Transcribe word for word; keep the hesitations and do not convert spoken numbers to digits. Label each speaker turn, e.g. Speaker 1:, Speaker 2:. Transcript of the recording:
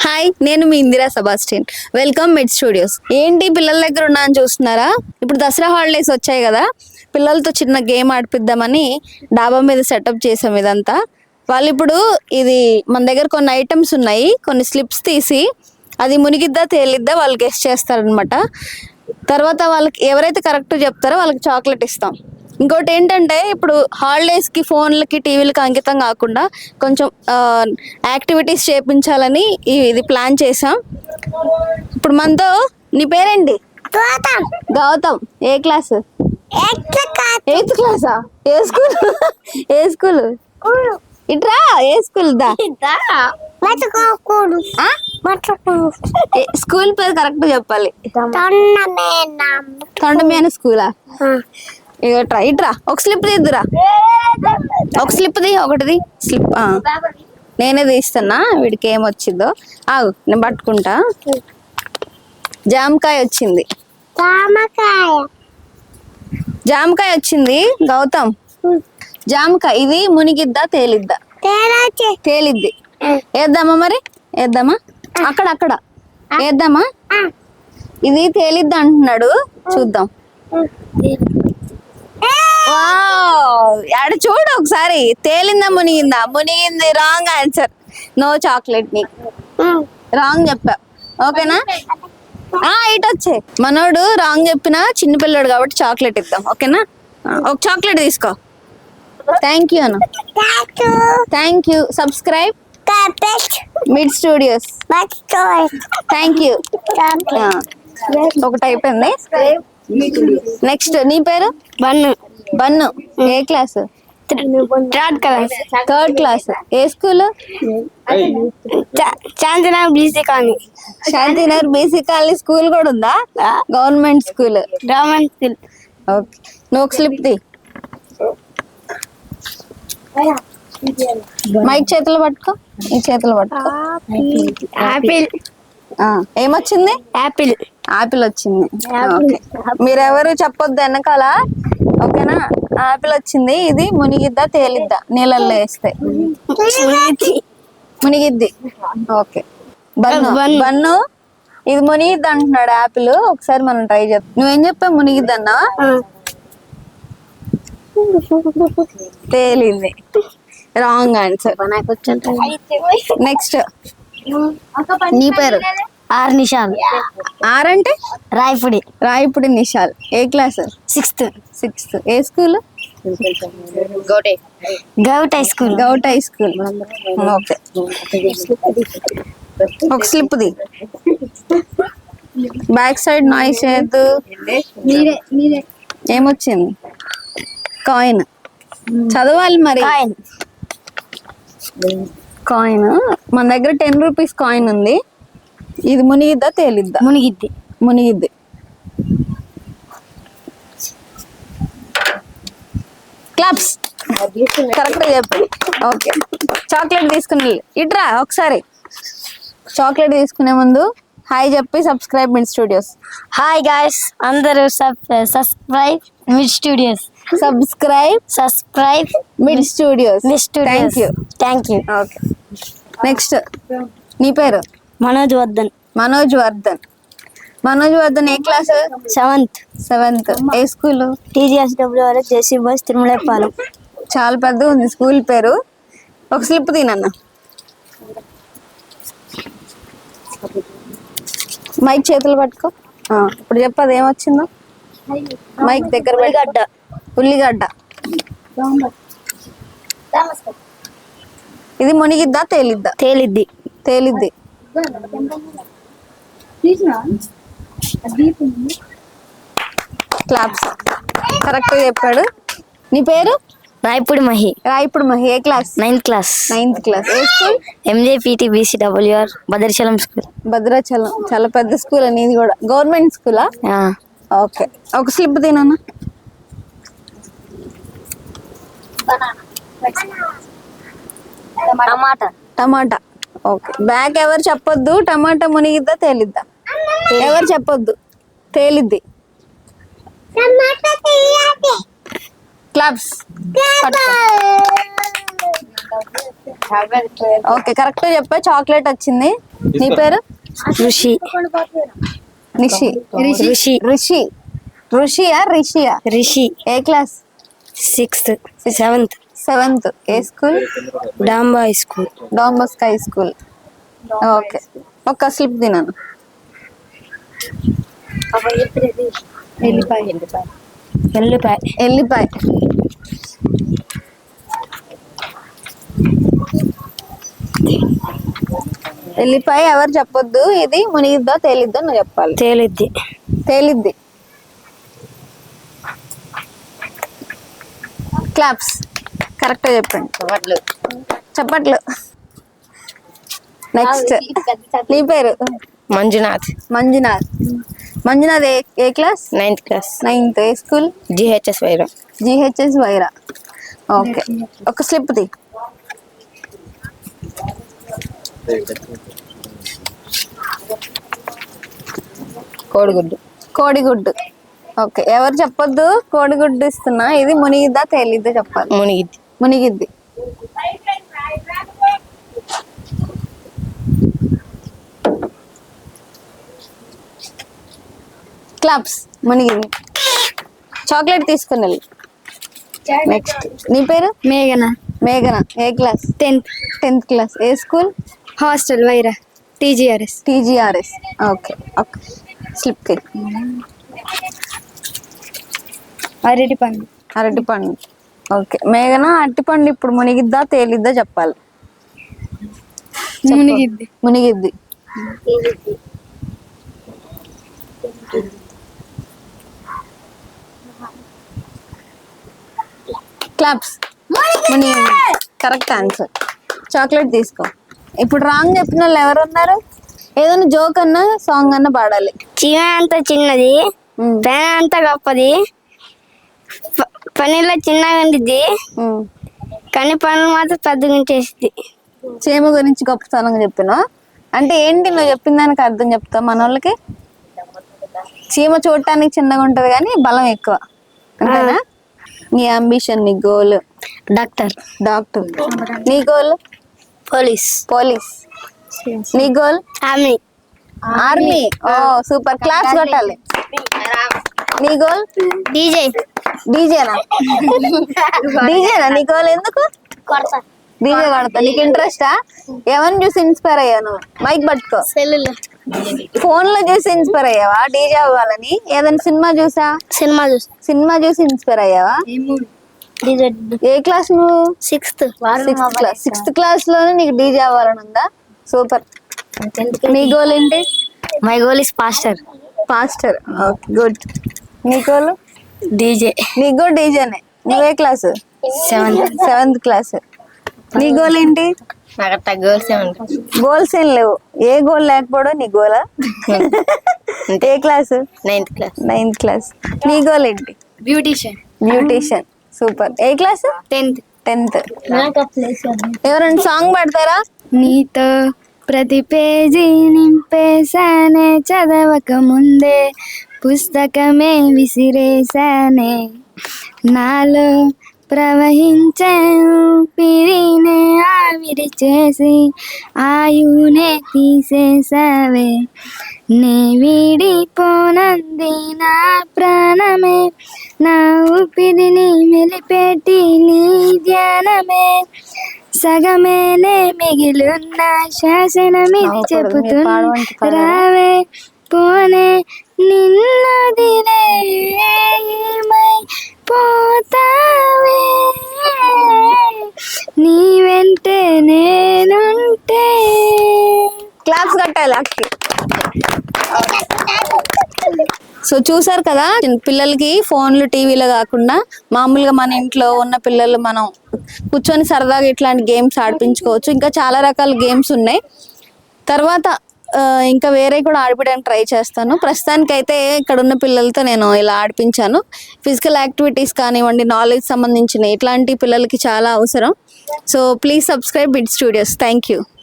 Speaker 1: Hi, నేను మీ Indira Sebastian. Welcome mid studios. ఏంటి పిల్లల దగ్గర ఉన్నా అని చూస్తున్నారా? ఇప్పుడు దసరా హాలిడేస్ వచ్చాయి కదా, పిల్లలతో చిన్న గేమ్ ఆడిపిద్దామని డాబా మీద సెటప్ చేసాం ఇదంతా. వాళ్ళు ఇప్పుడు ఇది మన దగ్గర కొన్ని ఐటమ్స్ ఉన్నాయి, కొన్ని స్లిప్స్ తీసి అది మునిగిద్దా తేలిద్దా వాళ్ళు గెస్ట్ చేస్తారనమాట. తర్వాత వాళ్ళకి ఎవరైతే కరెక్ట్ చెప్తారో వాళ్ళకి చాక్లెట్ ఇస్తాం. ఇంకోటి ఏంటంటే, ఇప్పుడు హాలిడేస్కి ఫోన్లకి టీవీలకి అంకితం కాకుండా కొంచెం యాక్టివిటీస్ చేయించాలని ఇది ప్లాన్ చేసాం. ఇప్పుడు మనతో నీ పేరేంటి? గౌతమ్. ఏ క్లాస్? ఎయిత్ క్లాసా? ఏ స్కూల్? ఏ స్కూల్? ఇట్రా. ఏ స్కూల్? దా స్కూల్ పేరు కరెక్ట్ చెప్పాలి. తొండమేన స్కూలా? ఇక ట్రై ఇట్రా. ఒక స్లిప్ తీద్దురా. ఒక స్లిప్ ది, ఒకటిది స్లిప్. నేనే తీస్తున్నా, వీడికి ఏమొచ్చిందో. ఆగు, నేను పట్టుకుంటా. జామకాయ వచ్చింది. జామకాయ వచ్చింది గౌతమ్. జామకాయ ఇది మునిగిద్దా తేలిద్దా? తేలిద్ది. వేద్దామా మరి? వేద్దామా? అక్కడ అక్కడ వేద్దామా? ఇది తేలిద్దా అంటున్నాడు, చూద్దాం. ఆడ చూడు ఒకసారి. తేలిందా మునిగిందా? మునిగింది. Wrong answer. No chocolate. నీకు రాంగ్ చెప్పా, ఓకేనా? ఆ ఇటు వచ్చే. మనోడు రాంగ్ చెప్పినా చిన్నపిల్లడు కాబట్టి చాక్లెట్ ఇద్దాం, ఓకేనా? ఒక చాక్లెట్ తీసుకో. థ్యాంక్ యూ అన్న. Thank you. Subscribe mid studios. Thank you. ఒకటి అయిపోయింది. నెక్స్ట్ నీ పేరు? బన్ను. బన్ను. ఏ class? Third class. Third class. ఏ school? Shantinagar BC colony. Shantinagar BC colony school కూడా ఉందా? Government school. Government school. Okay. నువ్వు ఒక స్లిప్ ది. మైక్ చేతులు పట్టుకో. ఈ చేతులు పట్టుకో. యాపిల్. ఏమొచ్చింది? యాపిల్. ఆపిల్ వచ్చింది. మీరెవరు చెప్పొద్దు వెనకాల, ఓకేనా? ఆపిల్ వచ్చింది. ఇది మునిగిద్దా తేలిద్దా నీళ్ళల్లో వేస్తే? మునిగిద్ది. ఓకే. బన్ను. బన్ను ఇది మునిగిద్ది అంటున్నాడు. ఆపిల్. ఒకసారి మనం ట్రై చేద్దాం. నువ్వేం చెప్పావు? మునిగిద్దన్నా? తేలింది. Wrong answer. నెక్స్ట్ నీ పేరు? ఆర్ నిషాల్. ఆర్ అంటే రాయపుడి. రాయపుడి నిషాల్. ఏ క్లాస్? సిక్స్త్. సిక్స్త్. ఏ school? Govt high school. Govt high school. Okay. ఒక స్లిప్ ది. బ్యాక్ సైడ్ నాయిస్ చేయద్దు. ఏమొచ్చింది? కాయిన్. చదవాలి మరి. కాయిన్. మన దగ్గర టెన్ రూపీస్ కాయిన్ ఉంది. ఇది మునిగిద్దా తేలిద్దా? మునిగిద్ది. మునిగిద్ది. క్లాప్స్. కరెక్ట్ చెప్పండి. ఓకే. చాక్లెట్ తీసుకుని ఇట్రా ఒకసారి. చాక్లెట్ తీసుకునే ముందు హాయ్ చెప్పి subscribe mid studios.
Speaker 2: Hi guys, అందరూ subscribe mid studios.
Speaker 1: Subscribe
Speaker 2: subscribe
Speaker 1: mid studios.
Speaker 2: Mid studios.
Speaker 1: Thank you.
Speaker 2: Thank you.
Speaker 1: Okay. Next నీ పేరు?
Speaker 2: మనోజ్ వర్ధన్.
Speaker 1: మనోజ్ వర్ధన్. మనోజ్ వర్ధన్ ఏ క్లాస్?
Speaker 2: సెవెంత్.
Speaker 1: సెవెంత్. ఏ school?
Speaker 2: TGS WRS JC boys Tirumalapalem.
Speaker 1: చాలా పెద్దగా ఉంది స్కూల్ పేరు. ఒక స్లిప్ తినన్న. మైక్ చేతులు పట్టుకో. ఇప్పుడు చెప్పదు ఏమొచ్చిందో. మైక్ దగ్గర.
Speaker 2: ఉల్లిగడ్డ.
Speaker 1: ఉల్లిగడ్డ. ఇది మునిగిద్దా తేలిద్దా?
Speaker 2: తేలిద్ది.
Speaker 1: తేలిద్ది. క్లాప్స్. కరెక్ట్ చెప్పాడు. నీ పేరు?
Speaker 2: రాయపుడి మహి.
Speaker 1: రాయపుడి మహి. ఏ class?
Speaker 2: Ninth class.
Speaker 1: Ninth class. ఏ school?
Speaker 2: MJPT BC WR Bhadrachalam school.
Speaker 1: Bhadrachalam. చాలా పెద్ద స్కూల్ అని. ఇది కూడా గవర్నమెంట్ స్కూలా? ఓకే. ఒక స్లిప్ తినన్నా.
Speaker 2: టమాటా.
Speaker 1: టమాటా. ఓకే. బ్యాక్ ఎవరు చెప్పొద్దు. టమాటా మునిగిద్దా తేలిద్దా? ఎవరు చెప్పొద్దు. తేలిద్ది. క్లాప్స్. ఓకే కరెక్ట్ చెప్పా, చాక్లెట్ వచ్చింది. నీ పేరు?
Speaker 2: ఋషి
Speaker 1: నిషి.
Speaker 2: ఋషి
Speaker 1: ఋషి. ఋషియా రిషియా?
Speaker 2: ఋషి
Speaker 1: ఏ క్లాస్?
Speaker 2: Sixth seventh
Speaker 1: seventh. ఏ స్కూల్?
Speaker 2: డాంబా స్కూల్.
Speaker 1: డాంబస్క్ హై స్కూల్. ఓకే ఒక్క స్లిప్ తినాను.
Speaker 2: ఎల్లిపాయ
Speaker 1: ఎల్లిపాయ. ఎల్లిపాయ ఎవరు చెప్పొద్దు. ఇది మునిగిద్దా తేలిద్దా నువ్వు చెప్పాలి.
Speaker 2: తేలిద్ది.
Speaker 1: తేలిద్ది. క్లాప్స్. కరెక్ట్ చెప్పండి. చప్పట్లు. నెక్స్ట్ నీ పేరు?
Speaker 2: మంజునాథ్.
Speaker 1: మంజునాథ్. మంజునాథ్ ఏ ఏ క్లాస్?
Speaker 2: Ninth class.
Speaker 1: నైన్త్. ఏ స్కూల్?
Speaker 2: జిహెచ్ఎస్ వైరం.
Speaker 1: జిహెచ్ఎస్ వైరా. ఓకే ఒక స్లిప్ ది.
Speaker 2: కోడిగుడ్డు.
Speaker 1: కోడిగుడ్డు. ఓకే ఎవరు చెప్పొద్దు. కోడిగుడ్డు ఇస్తున్నా. ఇది మునిగిద్దా తేలిద్దా చెప్పాలి.
Speaker 2: మునిగిద్ది.
Speaker 1: మునిగిద్ది. క్లాప్స్. మునిగింది. చాక్లెట్ తీసుకుని వెళ్ళి. నెక్స్ట్ నీ పేరు?
Speaker 2: మేఘన.
Speaker 1: మేఘన. ఏ క్లాస్?
Speaker 2: టెన్త్.
Speaker 1: Tenth class. ఏ school?
Speaker 2: Hostel Wyra. TGRS.
Speaker 1: TGRS. Okay okay slip కి.
Speaker 2: అరటి పండు.
Speaker 1: అరటి పండు. ఓకే మేఘన అరటి పండు ఇప్పుడు మునిగిద్దా తేలిద్దా చెప్పాలి.
Speaker 2: మునిగిద్ది.
Speaker 1: మునిగిద్ది. క్లాప్స్. మునిగింది. Correct answer. చాక్లెట్ తీసుకో. ఇప్పుడు రాంగ్ చెప్పిన వాళ్ళు ఎవరు ఉన్నారు? ఏదైనా జోక్ అన్నా సాంగ్ అన్నా పాడాలి.
Speaker 2: చీమ అంత చిన్నది, పేన అంత గొప్పది, ప- పనిలో చిన్నగా ఉండిద్ది,
Speaker 1: ఉమ్.
Speaker 2: కానీ పనులు మాత్రం పెద్దగా చేసిద్ది.
Speaker 1: చీమ గురించి గొప్పతనంగా చెప్పినా అంటే ఏంటి? నువ్వు చెప్పిన దానికి అర్థం చెప్తా మన వాళ్ళకి. చీమ చూడటానికి చిన్నగా ఉంటది కానీ బలం ఎక్కువ అంతేనా? నీ అంబిషన్, నీ గోల్?
Speaker 2: డాక్టర్.
Speaker 1: డాక్టర్. నీ గోల్?
Speaker 2: పోలీస్.
Speaker 1: పోలీస్. నీ goal?
Speaker 2: Army.
Speaker 1: Army. Oh super. Class కొట్టాలి. నీ గోల్?
Speaker 2: డీజే.
Speaker 1: డీజేనా? డీజేనా నీ గోల్? ఎందుకు డీజే కొడతా? నీకు ఇంట్రెస్టా? ఎవరిని చూసి ఇన్స్పైర్ అయ్యావు నువ్వు? మైక్ పట్టుకో.
Speaker 2: సెల్లులో.
Speaker 1: ఫోన్ లో చూసి ఇన్స్పైర్ అయ్యావా డీజే అవ్వాలని? ఏదైనా సినిమా చూసా?
Speaker 2: సినిమా చూసి.
Speaker 1: సినిమా చూసి ఇన్స్పైర్ అయ్యావా?
Speaker 2: డీజే.
Speaker 1: ఏ క్లాస్ నువ్వు?
Speaker 2: Sixth.
Speaker 1: Sixth class. Sixth class లోనే నీకు డీజే అవ్వాలని ఉందా? సూపర్. నీ గోల్ ఏంటి?
Speaker 2: My goal is pastor.
Speaker 1: Pastor. Okay good. నీ గోల్?
Speaker 2: డీజే.
Speaker 1: నీ గోల్ డీజేనే. నువ్వే క్లాస్?
Speaker 2: సెవెంత్.
Speaker 1: Seventh class. నీ గోల్ ఏంటి?
Speaker 2: నాకు అట్లా గోల్స్ ఏమంటారు.
Speaker 1: గోల్స్ ఏం లేవు. ఏ గోల్ లేకపోవడం నీ గోలా? ఏ class?
Speaker 2: Ninth class.
Speaker 1: Ninth class. నీ గోల్ ఏంటి?
Speaker 2: బ్యూటీషియన్.
Speaker 1: బ్యూటీషియన్. సూపర్. ఏ క్లాస్?
Speaker 2: టెన్త్.
Speaker 1: టెన్త్. ఎవరైనా సాంగ్ పాడతారా?
Speaker 2: నీతో ప్రతి పేజీ నింపేశానే, చదవక ముందే పుస్తకమే విసిరేశానే, నాలో ప్రవహించే ఊపిరినే ఆవిరి చేసి ఆయునే తీసేసావే, నే వీడిపోనంది నా ప్రాణమే, నా ఊపిరిని మెలిపెట్టి నీ ధ్యానమే, సగమేనే మిగిలిన శాసనమిది చెబుతున్నా, రావే పోనే నిన్నదిలే ఏమై పోతావే, నీ వెంటే నేనుంటే.
Speaker 1: క్లాప్స్ కట్టాలి అక్కి. సో చూసారు కదా, పిల్లలకి ఫోన్లు టీవీలో కాకుండా మామూలుగా మన ఇంట్లో ఉన్న పిల్లలు మనం కూర్చొని సరదాగా ఇట్లాంటి గేమ్స్ ఆడిపించుకోవచ్చు. ఇంకా చాలా రకాల గేమ్స్ ఉన్నాయి. తర్వాత ఆ, ఇంకా వేరే కూడా ఆడిపించడానికి ట్రై చేస్తాను. ప్రస్తుతానికైతే ఇక్కడ ఉన్న పిల్లలతో నేను ఇలా ఆడిపించాను. ఫిజికల్ యాక్టివిటీస్ కానివ్వండి, నాలెడ్జ్ సంబంధించిన ఇట్లాంటి పిల్లలకి చాలా అవసరం. So please subscribe mid studios. Thank you.